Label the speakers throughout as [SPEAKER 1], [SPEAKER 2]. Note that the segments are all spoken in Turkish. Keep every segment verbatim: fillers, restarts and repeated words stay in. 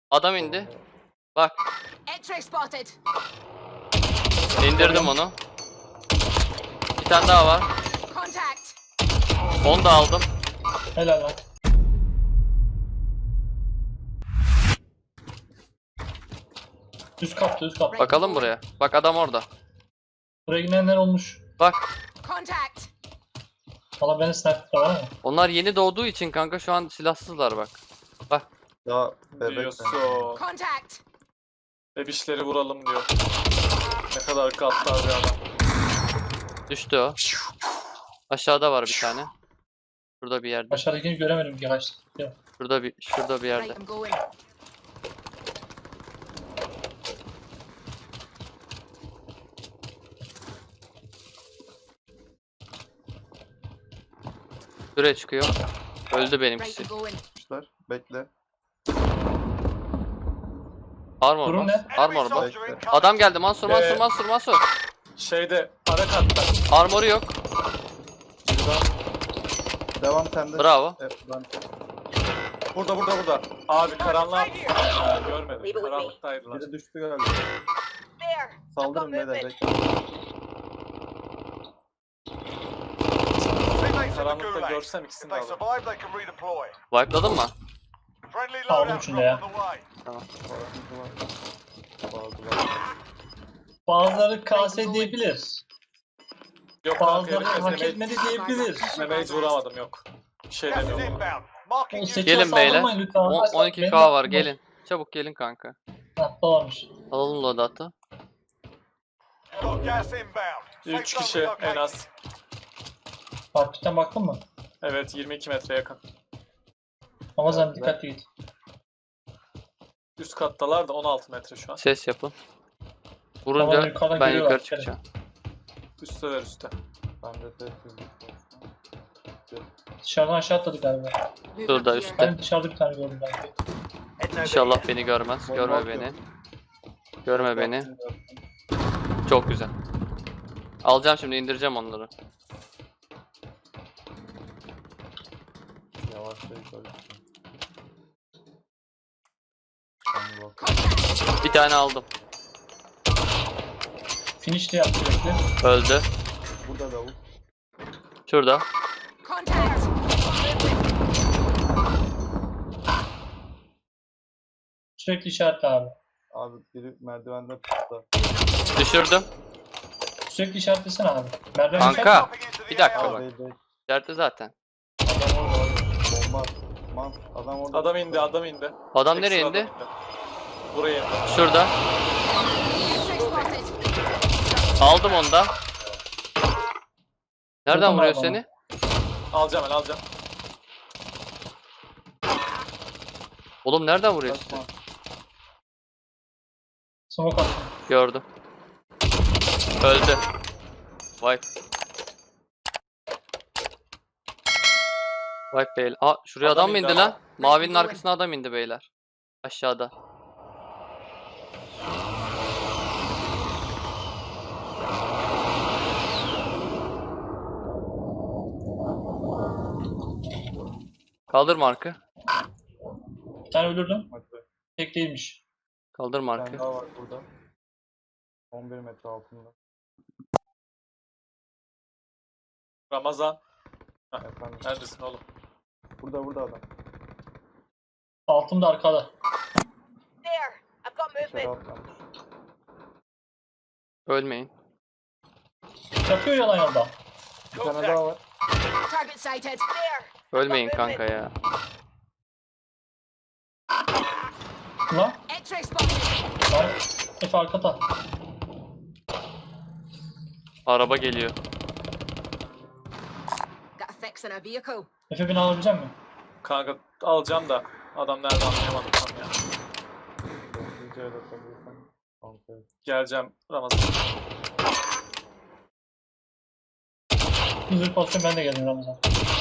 [SPEAKER 1] Adam indi. Bak.
[SPEAKER 2] X-ray spotted.
[SPEAKER 1] İndirdim onu. Bir tane daha var.
[SPEAKER 2] Contact.
[SPEAKER 1] Onu da aldım.
[SPEAKER 3] Helal lan. Düz kaptı, düz kaptı.
[SPEAKER 1] Bakalım buraya. Bak adam orada.
[SPEAKER 3] Buraya gidenler olmuş.
[SPEAKER 1] Bak.
[SPEAKER 2] Contact.
[SPEAKER 3] Valla benim sniper var mı?
[SPEAKER 1] Onlar yeni doğduğu için kanka şu an silahsızlar bak. Bak.
[SPEAKER 4] Ya bebek
[SPEAKER 5] Diyorsun.
[SPEAKER 2] Contact.
[SPEAKER 5] Bebişleri vuralım diyor. Ne kadar gaddar bir adam.
[SPEAKER 1] Düştü o. Aşağıda var bir tane. Şurada bir yerde.
[SPEAKER 3] Aşağıdakini göremedim ki kaçtı. Yok.
[SPEAKER 1] Şurada bir şurada bir yerde.
[SPEAKER 2] Right, I'm going.
[SPEAKER 1] Şuraya çıkıyor. Öldü
[SPEAKER 2] Right,
[SPEAKER 1] benimkisi.
[SPEAKER 2] I'm going.
[SPEAKER 4] yapmışlar. Bekle.
[SPEAKER 1] Armor
[SPEAKER 3] Durum
[SPEAKER 1] mu?
[SPEAKER 3] ne?
[SPEAKER 1] Armor mu?
[SPEAKER 4] Bekle.
[SPEAKER 1] Adam geldi. Mansur, Mansur,
[SPEAKER 5] Ee,
[SPEAKER 1] Mansur, Mansur.
[SPEAKER 5] Şeyde ara katta.
[SPEAKER 1] Armoru yok.
[SPEAKER 4] Şuradan. Devam sende.
[SPEAKER 1] Bravo.
[SPEAKER 4] Evet, ben...
[SPEAKER 5] Burada burada burada. Abi karanlığa Ha, görmedim. Karanlıktaydılar.
[SPEAKER 4] Biri düştü galiba.
[SPEAKER 2] There.
[SPEAKER 4] Saldırın beyler.
[SPEAKER 2] movement.
[SPEAKER 4] Bekle.
[SPEAKER 5] Karanlıkta görsem ikisini de alırım.
[SPEAKER 1] Wipe'ladın mı?
[SPEAKER 3] Aldım şunu ya.
[SPEAKER 1] Tamam.
[SPEAKER 4] Bazıları.
[SPEAKER 3] Bazıları K S diyebilir.
[SPEAKER 5] Yok kanka
[SPEAKER 3] Bazıları hak
[SPEAKER 5] herkes
[SPEAKER 3] etmedi diyebilir.
[SPEAKER 5] Mage vuramadım yok. Bir şey demiyorum.
[SPEAKER 3] O sekize
[SPEAKER 1] Gelin beyler.
[SPEAKER 3] saldırmayın lütfen.
[SPEAKER 1] On-
[SPEAKER 3] Arkadaşlar,
[SPEAKER 1] on iki
[SPEAKER 3] benim
[SPEAKER 1] K var
[SPEAKER 3] aklım
[SPEAKER 1] gelin. Çabuk gelin kanka.
[SPEAKER 3] Hah, dolarmış.
[SPEAKER 1] Alalım loadout'u.
[SPEAKER 5] üç kişi en az.
[SPEAKER 3] Farklıktan baktın mı?
[SPEAKER 5] Evet yirmi iki metre yakın.
[SPEAKER 3] Ramazan dikkatli git.
[SPEAKER 5] Üst kattalar da on altı metre şu an.
[SPEAKER 1] Ses yapın.
[SPEAKER 3] Tamam,
[SPEAKER 1] Vurunca
[SPEAKER 3] yukarıdan
[SPEAKER 1] ben
[SPEAKER 3] geliyorlar,
[SPEAKER 1] yukarı
[SPEAKER 3] dikkat et.
[SPEAKER 1] çıkacağım.
[SPEAKER 5] Üstteler üstte.
[SPEAKER 4] Ben de sessizlik olsun.
[SPEAKER 3] Dışarıdan aşağı atladık galiba.
[SPEAKER 2] Move
[SPEAKER 1] Şurada
[SPEAKER 2] up here.
[SPEAKER 1] üstte.
[SPEAKER 3] Ben dışarıda bir tane gördüm belki.
[SPEAKER 1] İnşallah beni görmez. Görme beni. Görme beni. Çok güzel. Alacağım şimdi indireceğim onları.
[SPEAKER 4] Yavaşça yukarı çıkın. Ben bak.
[SPEAKER 2] Contact.
[SPEAKER 1] Bir tane aldım.
[SPEAKER 3] Finish de yaptı sürekli.
[SPEAKER 1] Öldü.
[SPEAKER 4] Burada davul.
[SPEAKER 1] Şurada.
[SPEAKER 2] Contact.
[SPEAKER 3] Sürekli işaretle abi.
[SPEAKER 4] Abi biri merdivende pıstı.
[SPEAKER 1] Düşürdüm.
[SPEAKER 3] Sürekli işaretlesene abi. Merdiven
[SPEAKER 1] Kanka. Bir dakika
[SPEAKER 4] Abi
[SPEAKER 1] bak.
[SPEAKER 4] değil değil.
[SPEAKER 1] İçeride zaten.
[SPEAKER 4] Adam orada. Bomba. at. Man. Adam orada.
[SPEAKER 5] Adam indi adam indi.
[SPEAKER 1] Adam nereye
[SPEAKER 5] Ekstra
[SPEAKER 1] indi?
[SPEAKER 5] adam Buraya indi.
[SPEAKER 1] Şurada.
[SPEAKER 2] X-ray spotted.
[SPEAKER 1] Aldım onu da. Nereden
[SPEAKER 3] Vurdum
[SPEAKER 1] vuruyor
[SPEAKER 3] abi
[SPEAKER 1] seni?
[SPEAKER 5] Alacağım ben alacağım.
[SPEAKER 1] Oğlum nereden vuruyor seni?
[SPEAKER 4] Kaçma.
[SPEAKER 3] Smoke attım.
[SPEAKER 1] Gördüm. Öldü. Vay. Vay beyler. Aa şuraya
[SPEAKER 5] Adam
[SPEAKER 1] adam mı
[SPEAKER 5] indi
[SPEAKER 1] indi
[SPEAKER 5] ama.
[SPEAKER 1] lan? Mavinin arkasına adam indi beyler. Aşağıda. Kaldır markı.
[SPEAKER 3] Bir tane öldürdüm.
[SPEAKER 4] Hadi be.
[SPEAKER 3] Tek değilmiş.
[SPEAKER 1] Kaldır
[SPEAKER 4] Bir
[SPEAKER 1] markı.
[SPEAKER 4] tane daha var burada. on bir metre altında.
[SPEAKER 5] Ramazan.
[SPEAKER 4] Efendim.
[SPEAKER 5] Neredesin oğlum?
[SPEAKER 4] Burada burada adam.
[SPEAKER 3] Altım da arkada.
[SPEAKER 2] There. I've got
[SPEAKER 4] İçeri
[SPEAKER 2] movement.
[SPEAKER 4] atlamış.
[SPEAKER 1] Ölmeyin.
[SPEAKER 3] Yatıyor yalan yolda.
[SPEAKER 4] Bir tane daha var.
[SPEAKER 2] Target sighted. There.
[SPEAKER 1] Ölmeyin kanka ya.
[SPEAKER 3] Ulan.
[SPEAKER 2] X-ray spotted.
[SPEAKER 3] Lan. Efe arkada.
[SPEAKER 1] Araba geliyor.
[SPEAKER 2] Got a fix in a vehicle.
[SPEAKER 3] Efe beni alabilecek misin?
[SPEAKER 5] Kanka alacağım da adam nerede anlayamadım tam ya.
[SPEAKER 4] Sessizce el atabilirsen. Kontrol.
[SPEAKER 5] Geleceğim Ramazan.
[SPEAKER 3] Hızlı pozisyon ben de geldim Ramazan.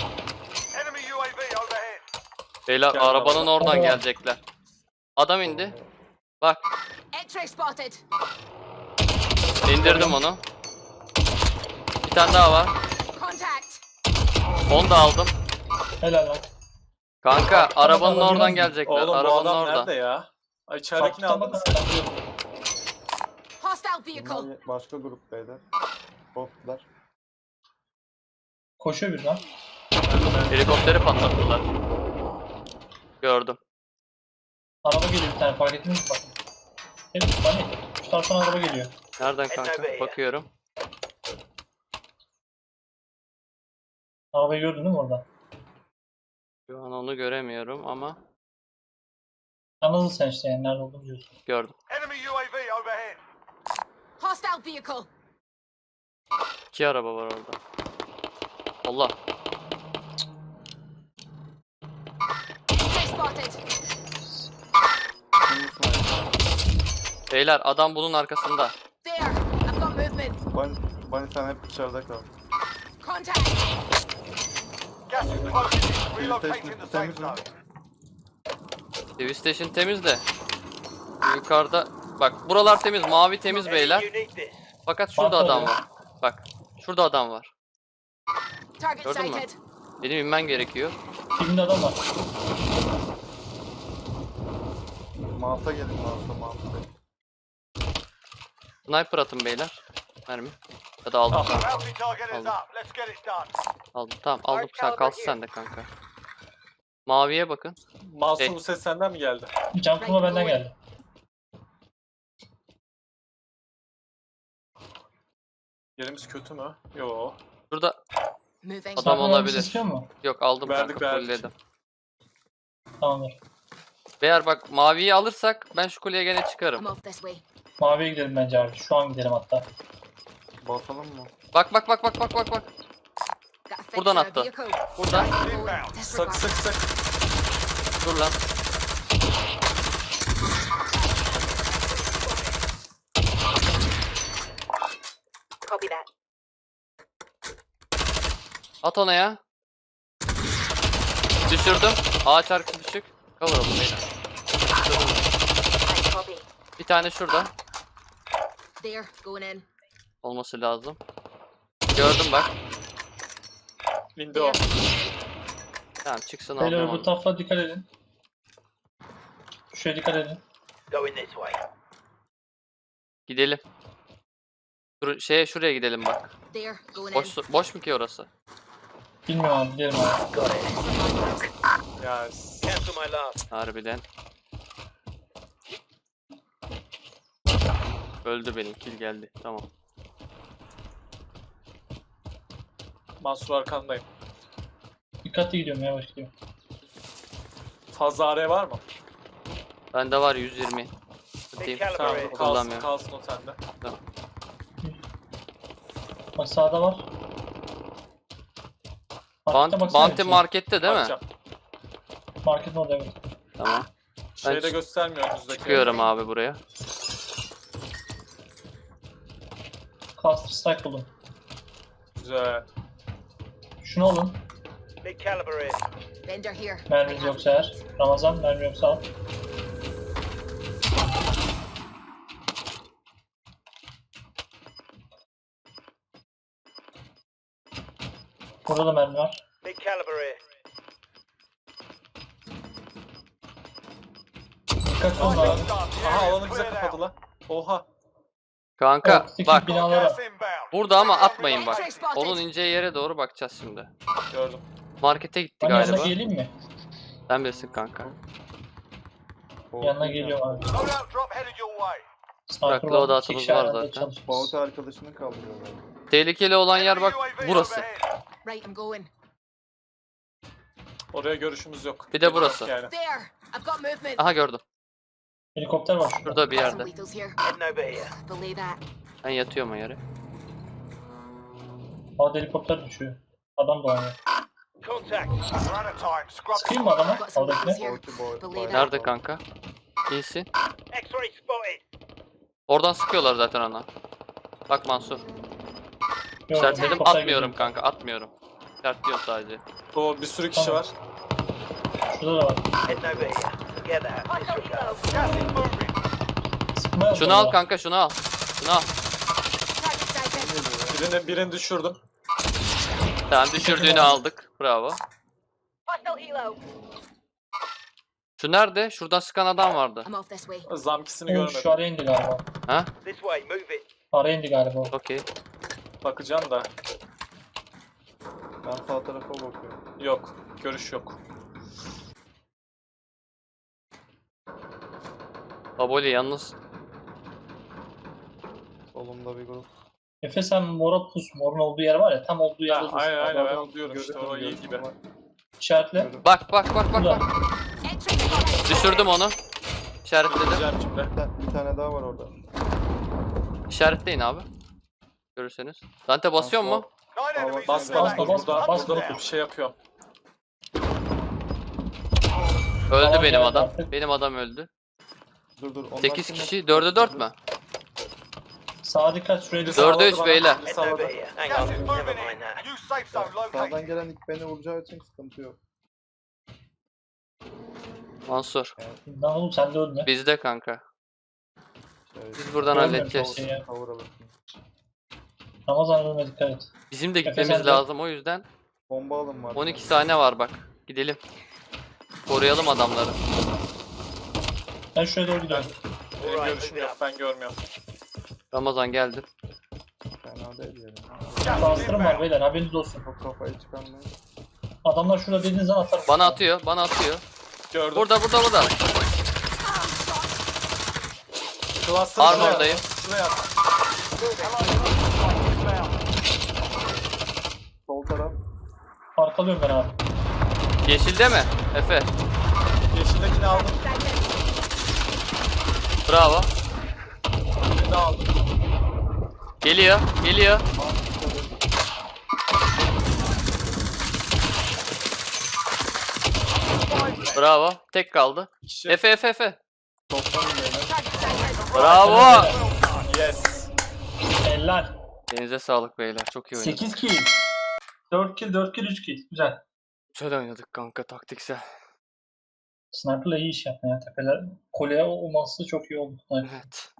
[SPEAKER 1] Beyler
[SPEAKER 5] Gel
[SPEAKER 1] arabanın
[SPEAKER 5] Ramazan.
[SPEAKER 1] oradan
[SPEAKER 3] Tamam.
[SPEAKER 1] gelecekler. Adam indi. Bak
[SPEAKER 2] X-ray spotted.
[SPEAKER 1] indirdim onu. Bir tane daha var.
[SPEAKER 2] Contact.
[SPEAKER 1] Onu da aldım.
[SPEAKER 3] Helal lan.
[SPEAKER 1] Kanka arabanın
[SPEAKER 3] Tamam,
[SPEAKER 1] oradan
[SPEAKER 3] tamam.
[SPEAKER 1] gelecekler.
[SPEAKER 5] Oğlum bu
[SPEAKER 1] Arabanın
[SPEAKER 5] adam
[SPEAKER 1] orada.
[SPEAKER 5] nerede ya? Ay, içeridekini
[SPEAKER 3] Baktan
[SPEAKER 5] aldınız.
[SPEAKER 3] bakın. bakıyorum.
[SPEAKER 2] Hostile vehicle.
[SPEAKER 4] Bunlar başka grup beyler. Botlar.
[SPEAKER 3] Koşuyor bir lan.
[SPEAKER 1] Helikopteri patlattılar. Gördüm.
[SPEAKER 3] Araba geliyor bir tane fark ettiniz mi bakın. Hep hani şu taraftan araba geliyor.
[SPEAKER 1] Nereden kanka? Bakıyorum.
[SPEAKER 3] Arabayı gördün değil mi orada?
[SPEAKER 1] Şu an onu göremiyorum ama
[SPEAKER 3] Anladın sen işte yani nerede olduğunu biliyorsun.
[SPEAKER 1] gördüm.
[SPEAKER 6] Enemy U A V overhead.
[SPEAKER 2] Hostile vehicle.
[SPEAKER 1] İki araba var orada. Allah.
[SPEAKER 2] X-ray spotted.
[SPEAKER 4] Şimdi sniper.
[SPEAKER 1] Beyler adam bunun arkasında.
[SPEAKER 2] There. I've got movement.
[SPEAKER 4] Bunny, Bunny sen hep dışarıda kal.
[SPEAKER 2] Contact.
[SPEAKER 6] Gas is closing in. Relocating the safe
[SPEAKER 4] Temiz mi?
[SPEAKER 6] zone.
[SPEAKER 1] T V station temiz de. Yukarıda bak buralar temiz, mavi temiz beyler. Fakat şurada
[SPEAKER 3] Bak
[SPEAKER 1] adam
[SPEAKER 3] oraya.
[SPEAKER 1] var. Bak şurada adam var.
[SPEAKER 2] Target
[SPEAKER 1] Gördün mü?
[SPEAKER 2] sighted.
[SPEAKER 1] Benim inmen gerekiyor.
[SPEAKER 3] Dibinde adam var.
[SPEAKER 4] Mouse'a gelin mouse'a mouse'a.
[SPEAKER 1] Sniper atın beyler. Mermi. Ya da aldım. Tamam.
[SPEAKER 6] Bounty target is
[SPEAKER 1] Aldım.
[SPEAKER 6] up. Let's get it done.
[SPEAKER 1] Aldım. Tamam aldım. Sen kalsın sen de kanka. Maviye bakın.
[SPEAKER 5] Mansur
[SPEAKER 1] Şey-
[SPEAKER 5] bu ses senden mi geldi?
[SPEAKER 3] Can kurma benden geldi.
[SPEAKER 5] Yerimiz kötü mü? Yo.
[SPEAKER 1] Şurada
[SPEAKER 2] Moving.
[SPEAKER 1] Adam
[SPEAKER 3] Sniper
[SPEAKER 1] olabilir.
[SPEAKER 3] mermisi istiyor mu?
[SPEAKER 1] yok aldım
[SPEAKER 5] Verdik,
[SPEAKER 1] kanka.
[SPEAKER 5] verdik.
[SPEAKER 1] Fulledim.
[SPEAKER 3] Tamamdır.
[SPEAKER 1] Beyler bak maviyi alırsak ben şu kuleye gene çıkarım.
[SPEAKER 2] I'm off this way.
[SPEAKER 3] Maviye gidelim bence abi. Şu an gidelim hatta.
[SPEAKER 4] Basalım mı?
[SPEAKER 1] Bak bak bak bak bak bak bak.
[SPEAKER 2] Got a fix
[SPEAKER 1] Buradan
[SPEAKER 2] on a
[SPEAKER 1] attı.
[SPEAKER 2] vehicle.
[SPEAKER 1] Burada.
[SPEAKER 6] Inbound.
[SPEAKER 5] Sık sık sık.
[SPEAKER 1] Dur lan.
[SPEAKER 2] Copy that.
[SPEAKER 1] At ona ya. Düşürdüm. Ağaç arkası düşük. Cover olun beyler.
[SPEAKER 2] I copy.
[SPEAKER 1] Bir tane şurada.
[SPEAKER 2] There. Going in.
[SPEAKER 1] Olması lazım. Gördüm bak.
[SPEAKER 5] İndi o.
[SPEAKER 1] Tamam çıksın
[SPEAKER 3] Beyler
[SPEAKER 1] aldım
[SPEAKER 3] bu
[SPEAKER 1] onu.
[SPEAKER 3] tarafa dikkat edin. Şuraya dikkat edin.
[SPEAKER 6] Going this way.
[SPEAKER 1] Gidelim. Dur, şeye şuraya gidelim bak.
[SPEAKER 2] There. Going in.
[SPEAKER 1] Boş boş mu ki orası?
[SPEAKER 3] Bilmiyorum abi gidelim abi.
[SPEAKER 5] Ya
[SPEAKER 6] Cancel my last.
[SPEAKER 1] Harbiden. Öldü benim kill geldi. Tamam.
[SPEAKER 5] Mansur arkandayım.
[SPEAKER 3] Dikkatli gidiyorum yavaş gidiyorum.
[SPEAKER 5] Fazla araya var mı?
[SPEAKER 1] Bende var yüz yirmi. Atayım.
[SPEAKER 6] Caliber
[SPEAKER 5] Tamam
[SPEAKER 6] in.
[SPEAKER 5] kalsın,
[SPEAKER 1] Kullanmıyorum.
[SPEAKER 5] kalsın o sende.
[SPEAKER 3] Bak sağda var.
[SPEAKER 1] Bant,
[SPEAKER 3] Markete baksana
[SPEAKER 1] Bounty
[SPEAKER 3] bir şey.
[SPEAKER 1] markette değil mi?
[SPEAKER 5] Bakacağım.
[SPEAKER 3] Marketin orada evet.
[SPEAKER 1] Tamam.
[SPEAKER 5] Şeyde
[SPEAKER 1] Ben
[SPEAKER 5] göstermiyor önünüzdeki.
[SPEAKER 1] Çıkıyorum abi buraya.
[SPEAKER 3] Cluster strike buldum.
[SPEAKER 5] Güzel.
[SPEAKER 3] Şunu alın.
[SPEAKER 6] Big caliber in.
[SPEAKER 2] Vendor here.
[SPEAKER 3] Merminiz
[SPEAKER 2] I have
[SPEAKER 3] yoksa eğer. Ramazan mermi yoksa al. Burada da mermi var.
[SPEAKER 6] Big caliber in.
[SPEAKER 3] Dikkat olun abi.
[SPEAKER 5] Aha alanı bize kapadı lan. Oha.
[SPEAKER 1] Kanka
[SPEAKER 3] Ortadaki
[SPEAKER 1] bak
[SPEAKER 3] binalara.
[SPEAKER 6] Gas inbound.
[SPEAKER 1] burada ama atmayın bak.
[SPEAKER 2] X-ray spotted.
[SPEAKER 1] Onun ineceği yere doğru bakacağız şimdi.
[SPEAKER 5] Gördüm.
[SPEAKER 1] Markete gitti
[SPEAKER 3] Ben yanına
[SPEAKER 1] galiba.
[SPEAKER 3] geleyim mi?
[SPEAKER 1] Sen bilirsin kanka.
[SPEAKER 3] Yanına geliyorum abi.
[SPEAKER 6] Loadout drop headed your way.
[SPEAKER 3] Sniper
[SPEAKER 1] Bırak,
[SPEAKER 3] var.
[SPEAKER 1] loadout'umuz
[SPEAKER 3] İki kişi
[SPEAKER 1] var
[SPEAKER 3] aynı anda
[SPEAKER 1] zaten.
[SPEAKER 3] çalışıyoruz.
[SPEAKER 4] Bounty arkadaşını kaldırıyorlar.
[SPEAKER 1] Tehlikeli olan yer bak
[SPEAKER 6] Enemy U A V
[SPEAKER 1] burası.
[SPEAKER 6] overhead.
[SPEAKER 2] Right, I'm going.
[SPEAKER 5] Oraya görüşümüz yok.
[SPEAKER 1] Bir de burası.
[SPEAKER 5] Yani.
[SPEAKER 2] There. I've got movement.
[SPEAKER 1] Aha gördüm.
[SPEAKER 3] Helikopter var şurada.
[SPEAKER 1] Şurada bir
[SPEAKER 2] Got some
[SPEAKER 1] yerde.
[SPEAKER 2] vehicles here.
[SPEAKER 6] Heading over here.
[SPEAKER 2] Belay that.
[SPEAKER 1] Ben yatıyorum o yere.
[SPEAKER 3] Havada helikopter düşüyor. Adam dolanıyor.
[SPEAKER 6] Contact. We're out of time. Scrub.
[SPEAKER 3] Sıkayım mı adama?
[SPEAKER 2] Got some vehicles
[SPEAKER 3] Havadakine.
[SPEAKER 2] here.
[SPEAKER 4] Bounty boy.
[SPEAKER 2] Belay that.
[SPEAKER 1] Nerede kanka? İyisin.
[SPEAKER 6] X-ray spotted.
[SPEAKER 1] Oradan sıkıyorlar zaten ona. Bak Mansur.
[SPEAKER 3] Yok,
[SPEAKER 1] İşaretledim
[SPEAKER 3] helikopter
[SPEAKER 1] atmıyorum
[SPEAKER 3] geliyor.
[SPEAKER 1] kanka atmıyorum. İşaretliyorum sadece.
[SPEAKER 5] O bir sürü kişi
[SPEAKER 3] Tamam.
[SPEAKER 5] var.
[SPEAKER 3] Şurada da var.
[SPEAKER 6] Heading over here. Together. Gas is moving.
[SPEAKER 3] Sıkmaya
[SPEAKER 1] Şunu al kanka şunu al. Şunu al.
[SPEAKER 2] Target sighted.
[SPEAKER 5] Birini, birini düşürdüm.
[SPEAKER 1] Tamam düşürdüğünü aldık. Bravo.
[SPEAKER 2] Hostile helo.
[SPEAKER 1] Şu nerede? Şuradan sıkan adam vardı.
[SPEAKER 2] I'm off this way.
[SPEAKER 5] Zamkisini
[SPEAKER 3] O
[SPEAKER 5] görmedim.
[SPEAKER 3] şu araya indi galiba.
[SPEAKER 1] Ha?
[SPEAKER 6] This way, move it.
[SPEAKER 3] Araya indi galiba. o.
[SPEAKER 1] Okey.
[SPEAKER 5] Bakacağım da.
[SPEAKER 4] Ben sağ tarafa bakıyorum.
[SPEAKER 5] Yok. Görüş yok.
[SPEAKER 1] Baboli yalnız.
[SPEAKER 4] Solumda bir grup.
[SPEAKER 3] Efe sen mora pus. Morun olduğu yer var ya. Tam olduğu yerde
[SPEAKER 5] Ha,
[SPEAKER 3] dur.
[SPEAKER 5] aynen aynen ben
[SPEAKER 4] Adam
[SPEAKER 5] onu diyorum işte
[SPEAKER 4] görüyorum,
[SPEAKER 5] o iyi
[SPEAKER 4] görüyorum
[SPEAKER 5] gibi.
[SPEAKER 4] ama
[SPEAKER 3] İşaretle.
[SPEAKER 4] görüyorum.
[SPEAKER 1] Bak bak bak bak
[SPEAKER 3] Burada.
[SPEAKER 1] bak.
[SPEAKER 2] Entry spotted.
[SPEAKER 1] Düşürdüm onu. İşaretledim.
[SPEAKER 5] Gideceğim şimdi.
[SPEAKER 4] Bir ta- Bir tane daha var orada.
[SPEAKER 1] İşaretleyin abi. Görürseniz. Dante basıyor mu?
[SPEAKER 6] Nine enemies
[SPEAKER 5] Bas
[SPEAKER 6] still
[SPEAKER 5] bas
[SPEAKER 6] active.
[SPEAKER 3] bas,
[SPEAKER 5] burada.
[SPEAKER 3] bas,
[SPEAKER 5] Burada
[SPEAKER 3] bas.
[SPEAKER 5] bir şey yapıyor.
[SPEAKER 1] Öldü
[SPEAKER 3] Tamam,
[SPEAKER 1] benim
[SPEAKER 3] geldi
[SPEAKER 1] adam.
[SPEAKER 3] artık.
[SPEAKER 1] Benim adam öldü.
[SPEAKER 4] Dur dur. onlar
[SPEAKER 1] sekiz
[SPEAKER 4] şimdi-
[SPEAKER 1] kişi. dörde dört mü?
[SPEAKER 3] Sağa dikkat şuraya
[SPEAKER 5] Biri
[SPEAKER 3] dikkat.
[SPEAKER 1] Dörde
[SPEAKER 5] salladı
[SPEAKER 1] üç
[SPEAKER 5] bana,
[SPEAKER 1] beyler.
[SPEAKER 5] biri
[SPEAKER 6] Head
[SPEAKER 5] salladı.
[SPEAKER 6] over here. Hang
[SPEAKER 5] Gas
[SPEAKER 6] on,
[SPEAKER 5] is
[SPEAKER 6] never
[SPEAKER 2] moving
[SPEAKER 6] mind that. New safe zone
[SPEAKER 4] Sağdan
[SPEAKER 6] located.
[SPEAKER 4] gelen ilk beni vuracağı için sıkıntı yok.
[SPEAKER 1] Mansur.
[SPEAKER 3] Lan oğlum sen de öldün.
[SPEAKER 1] Bizde kanka.
[SPEAKER 4] Şey,
[SPEAKER 1] Biz buradan
[SPEAKER 3] Görmüyorum
[SPEAKER 1] halledeceğiz.
[SPEAKER 3] çok şey.
[SPEAKER 4] cover alırsın.
[SPEAKER 3] Ramazan ölme dikkat et.
[SPEAKER 1] Bizim de
[SPEAKER 3] Efe
[SPEAKER 1] gitmemiz
[SPEAKER 3] sen de-
[SPEAKER 1] lazım o yüzden.
[SPEAKER 4] Bomba alın var.
[SPEAKER 1] on iki saniye var bak. Gidelim. Koruyalım adamları.
[SPEAKER 3] Ben şuraya doğru gidiyorum.
[SPEAKER 5] Benim görüşüm yok ben görmüyorum.
[SPEAKER 1] Ramazan geldi.
[SPEAKER 4] Fena değil yani.
[SPEAKER 6] Gas is
[SPEAKER 3] Bastırım var
[SPEAKER 6] inbound.
[SPEAKER 3] beyler haberiniz olsun.
[SPEAKER 4] Çok kafayı çıkarmayın.
[SPEAKER 3] Adamlar şurada dediğiniz an atar.
[SPEAKER 1] Bana atıyor, bana atıyor.
[SPEAKER 5] Gördüm.
[SPEAKER 1] Burada, burada, burada.
[SPEAKER 5] Cluster şuraya
[SPEAKER 1] Armordayım.
[SPEAKER 5] at. Şuraya at.
[SPEAKER 4] Sol taraf.
[SPEAKER 3] Arkalıyorum ben abi.
[SPEAKER 1] Yeşilde mi? Efe.
[SPEAKER 5] Yeşildekini aldım.
[SPEAKER 1] Bravo.
[SPEAKER 5] Birini de aldım.
[SPEAKER 1] Geliyor, geliyor. Bravo. Tek kaldı.
[SPEAKER 5] Kişi.
[SPEAKER 1] Efe, Efe, Efe.
[SPEAKER 4] Toplanın beyler.
[SPEAKER 2] Target sighted.
[SPEAKER 1] Bravo.
[SPEAKER 5] Yes.
[SPEAKER 3] Eller.
[SPEAKER 1] Denize sağlık beyler. Çok iyi oynadık.
[SPEAKER 3] sekiz kill. dört kill, dört kill, üç kill. Güzel.
[SPEAKER 1] Güzel oynadık kanka, taktiksel.
[SPEAKER 3] Sniper'la iyi iş yaptın ya. Tepeler kolye olması çok iyi oldu. Sniper.
[SPEAKER 1] Evet.